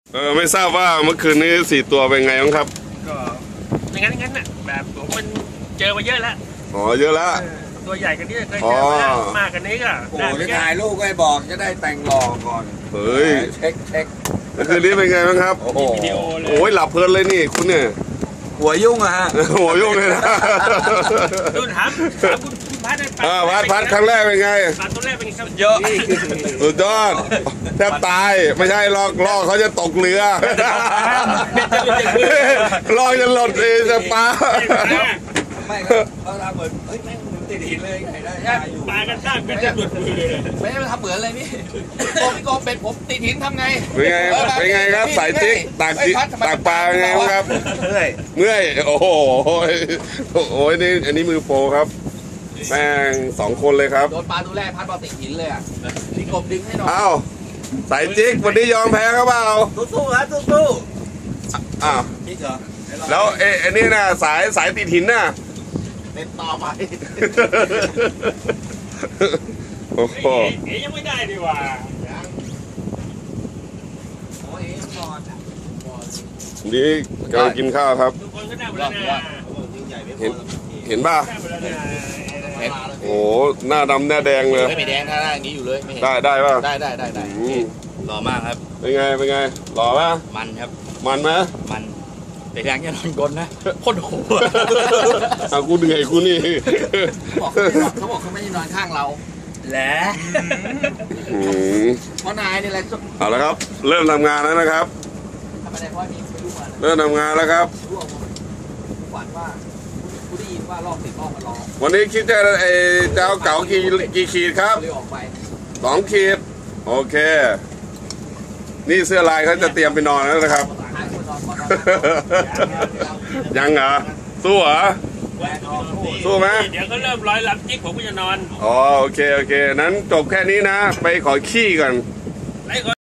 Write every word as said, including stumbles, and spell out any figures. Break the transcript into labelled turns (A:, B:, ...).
A: เออไม่ทราบว่าเมื่อคืนนี้สี่ตัวเป็นไงบ้างครับ
B: ก็อย่างนั้นงั้นน่ะแบบผมมันเจอมาเยอะแล้ว
A: อ๋อเยอะแล้ว
B: ตัวใหญ่กันนี้เคยเจอมาแล้วมากกันนี้ก็
C: โอ้จะถ่ายรูปให้บอกจะได้แต่งหล่อก่อน
A: เฮ้ย
C: เช็คเช็ค
A: เมื่อคืนนี้เป็นไงบ้างครับ
B: โอ้โหวิดีโอเลย
A: โอ้ยหลับเพลินเลยนี่คุณเนี่ย
C: หัวยุ่งอะฮะ
A: หัวยุ่งเลยนะ
B: ดูถามถามคุณพัด
A: อ่าพัดพัดครั้งแรกเป็นไง
B: ปลาตัวแรกเป็นเ
C: ยอะ
A: สุดยอดแทบตายไม่ใช่ลอกลอกเขาจะตกเรือลอกจะหล่นเองจะปลา
C: ไม่เขาทำเหมือนเฮ้ยแม่งติดหินเลยไงได้อยู่
B: ปลากันข้ามกันจะหลุดมือเลย
C: ไม่ได้ทำเหมือนเลยพี่โกพี่โกเป็นผมติดหินทำไง
A: เป็นไงเป็นไงครับสายจิ๊กตากตากปลาไงครับ
C: เมื่อย
A: เมื่อยโอ้โหโอ้ยนี่อันนี้มือโปรครับแม่งสองคนเลยครับ
C: โดนปลาตัวแรกพัดบอลติดหินเลยอ่ะพี่กบดึงให้หน่อย
A: อ้าวสายจิ๊กวันนี้ยอมแพ้ครับเปล่า
C: สู้ๆครับสู้
A: ๆอ้าว
C: จิ๊กเหรอ
A: แล้วเอ๊ะอันนี้น่ะสายสายติดหินน่ะ
C: เป็นต่อไป
A: โอ้โห
B: เอ๋ยังไม่ได้ดีกว่า
C: โอ้ยก่อน
A: นี่กำลังกินข้าวครับ
B: ทุกคนก็ได้หมดแล้วนะ
A: เห็นเห็นป่ะโอ้หน้าดำหน้าแดงเลย
C: ไม่แดงหน้าอย่างนี้อยู่เลยไม่เห็น
A: ได้ได้ป่ะ
C: ได้ได้ได้ได้หล่อมากครับ
A: เป็นไงเป็นไงหล่อป่ะ
C: มันครับ
A: มันไหม
C: มันแต่ยังจะนอนกลนนะโคตรโหด
A: เอากูเหนื่อยกูนี่
C: เขาบอกเขาไม่ได้นอนข้างเราแหละเพราะนายนี่แหละ
A: เอาละครับเริ่มทำงานแล้วนะครับเริ่มทำงานแล้วครับ
C: ฝันว่ากูได้ยินว่ารอบติดรอบมารอ
A: วันนี้คิดจะไอ้เจ้าเก๋ากี่กี่ขีดครับสองขีดโอเคนี่เสื้อลายเขาจะเตรียมไปนอนแล้วนะครับยังเหรอสู้เหรอสู้ไหม
B: เดี๋ยวก็เริ่มร้อยลำจิ๊กผมก็จะนอน
A: อ๋อโอเคโอเคนั้นจบแค่นี้นะไปขอขี้ก่อน